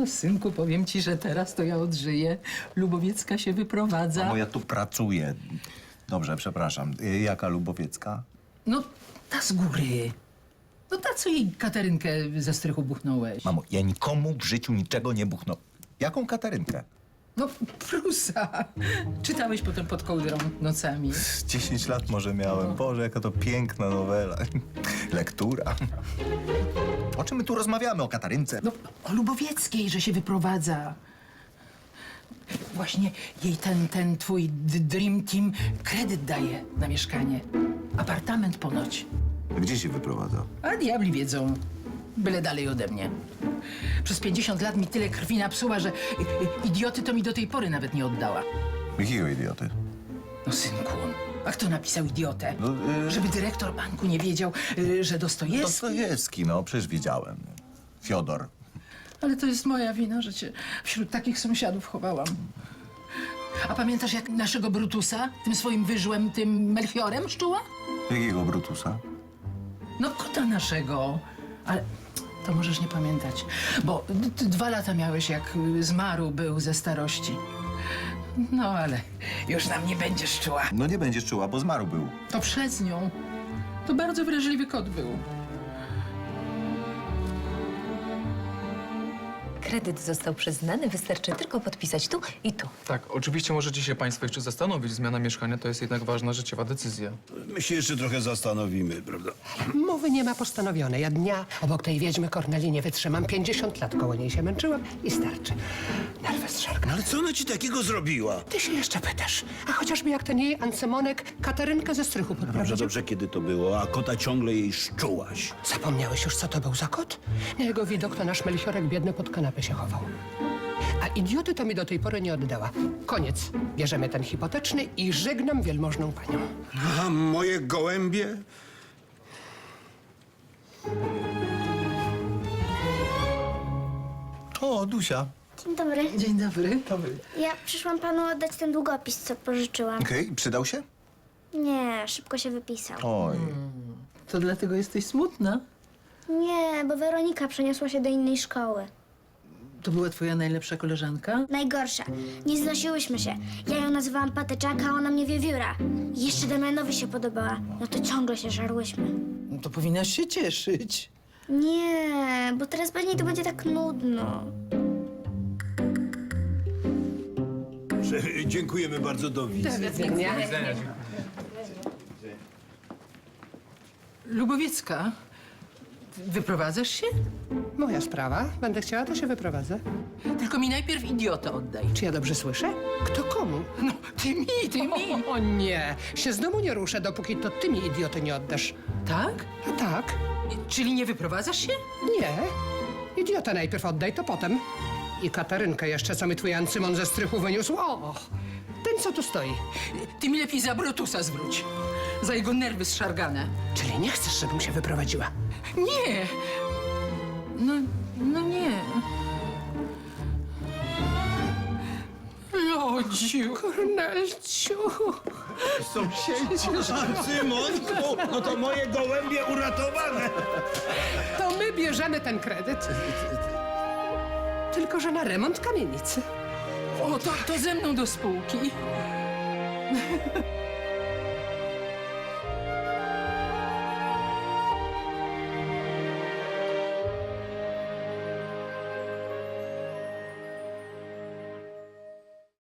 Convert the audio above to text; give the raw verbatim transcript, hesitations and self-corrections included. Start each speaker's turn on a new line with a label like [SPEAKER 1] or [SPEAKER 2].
[SPEAKER 1] synku, powiem ci, że teraz to ja odżyję. Lubowiecka się wyprowadza.
[SPEAKER 2] Mamo, ja tu pracuję. Dobrze, przepraszam. Y, Jaka Lubowiecka?
[SPEAKER 1] No, ta z góry. No ta, co jej Katarynkę ze strychu buchnąłeś.
[SPEAKER 2] Mamo, ja nikomu w życiu niczego nie buchnął. Jaką Katarynkę?
[SPEAKER 1] No, Prusa. Czytałeś potem pod kołdrą nocami.
[SPEAKER 2] Dziesięć lat może miałem. Boże, jaka to piękna nowela. Lektura. O czym my tu rozmawiamy? O Katarynce?
[SPEAKER 1] No, o Lubowieckiej, że się wyprowadza. Właśnie jej ten, ten twój d- Dream Team kredyt daje na mieszkanie. Apartament ponoć.
[SPEAKER 2] Gdzie się wyprowadza?
[SPEAKER 1] A diabli wiedzą. Byle dalej ode mnie. Przez pięćdziesiąt lat mi tyle krwi napsuła, że y, y, idioty to mi do tej pory nawet nie oddała.
[SPEAKER 2] Jakiego idioty?
[SPEAKER 1] No synku, a kto napisał idiotę?
[SPEAKER 2] No, y-
[SPEAKER 1] Żeby dyrektor banku nie wiedział, y, że Dostojewski...
[SPEAKER 2] Dostojewski, no przecież wiedziałem. Fiodor.
[SPEAKER 1] Ale to jest moja wina, że cię wśród takich sąsiadów chowałam. A pamiętasz, jak naszego Brutusa, tym swoim wyżłem, tym Melchiorem szczuła?
[SPEAKER 2] Jakiego Brutusa?
[SPEAKER 1] No kota naszego. Ale to możesz nie pamiętać, bo d- d- dwa lata miałeś, jak y, zmarł był ze starości. No ale już nam nie będziesz czuła.
[SPEAKER 2] No nie będziesz czuła, bo zmarł był.
[SPEAKER 1] To przez nią. To bardzo wrażliwy kot był.
[SPEAKER 3] Kredyt został przyznany, wystarczy tylko podpisać tu i tu.
[SPEAKER 4] Tak, oczywiście możecie się Państwo jeszcze zastanowić. Zmiana mieszkania to jest jednak ważna życiowa decyzja.
[SPEAKER 5] My się jeszcze trochę zastanowimy, prawda?
[SPEAKER 6] Mowy nie ma postanowionej. Ja dnia obok tej wiedźmy Korneli nie wytrzymam. pięćdziesiąt lat koło niej się męczyłam i starczy. Nerwy zszargną.
[SPEAKER 5] Ale co ona ci takiego zrobiła?
[SPEAKER 6] Ty się jeszcze pytasz. A chociażby jak ten jej Ancemonek Katarynkę ze strychu
[SPEAKER 5] Dobrze,
[SPEAKER 6] podprowadził.
[SPEAKER 5] dobrze, kiedy to było, a kota ciągle jej szczułaś.
[SPEAKER 6] Zapomniałeś już, co to był za kot? Na jego widok to nasz Melchiorek biedny pod kanapę się chował. A idioty to mi do tej pory nie oddała. Koniec. Bierzemy ten hipoteczny i żegnam wielmożną panią.
[SPEAKER 5] A moje gołębie?
[SPEAKER 2] O, Dusia.
[SPEAKER 7] Dzień dobry.
[SPEAKER 1] Dzień dobry.
[SPEAKER 7] Ja przyszłam panu oddać ten długopis, co pożyczyłam.
[SPEAKER 2] Okej, przydał się?
[SPEAKER 7] Nie, szybko się wypisał.
[SPEAKER 2] Oj.
[SPEAKER 1] To dlatego jesteś smutna?
[SPEAKER 7] Nie, bo Weronika przeniosła się do innej szkoły.
[SPEAKER 1] To była twoja najlepsza koleżanka?
[SPEAKER 7] Najgorsza. Nie znosiłyśmy się. Ja ją nazywałam Patyczaka, a ona mnie Wiewióra. I jeszcze Damianowi się podobała. No to ciągle się żarłyśmy.
[SPEAKER 1] No to powinnaś się cieszyć.
[SPEAKER 7] Nie, bo teraz pewnie to będzie tak nudno.
[SPEAKER 5] Że, dziękujemy bardzo, do widzenia.
[SPEAKER 1] Lubowiecka, wyprowadzasz się?
[SPEAKER 6] Moja sprawa. Będę chciała, to się wyprowadzę.
[SPEAKER 1] Tylko mi najpierw idiotę oddaj.
[SPEAKER 6] Czy ja dobrze słyszę? Kto komu?
[SPEAKER 1] No, ty mi, ty mi.
[SPEAKER 6] O, o nie. Się z domu nie ruszę, dopóki to ty mi idioty nie oddasz.
[SPEAKER 1] Tak?
[SPEAKER 6] A tak?
[SPEAKER 1] Czyli nie wyprowadzasz się?
[SPEAKER 6] Nie. Idiotę najpierw oddaj, to potem. I Katarynkę jeszcze, co mi twój Ancymon ze strychu wyniósł. O, ten, co tu stoi.
[SPEAKER 1] Ty mi lepiej za Brutusa zwróć. Za jego nerwy zszargane.
[SPEAKER 6] Czyli nie chcesz, żebym się wyprowadziła?
[SPEAKER 1] Nie. No, no nie. Lodziu.
[SPEAKER 6] Kornelciu.
[SPEAKER 5] Cymonku, no to moje gołębie uratowane.
[SPEAKER 6] To my bierzemy ten kredyt. Tylko że na remont kamienicy.
[SPEAKER 1] O, to, to ze mną do spółki.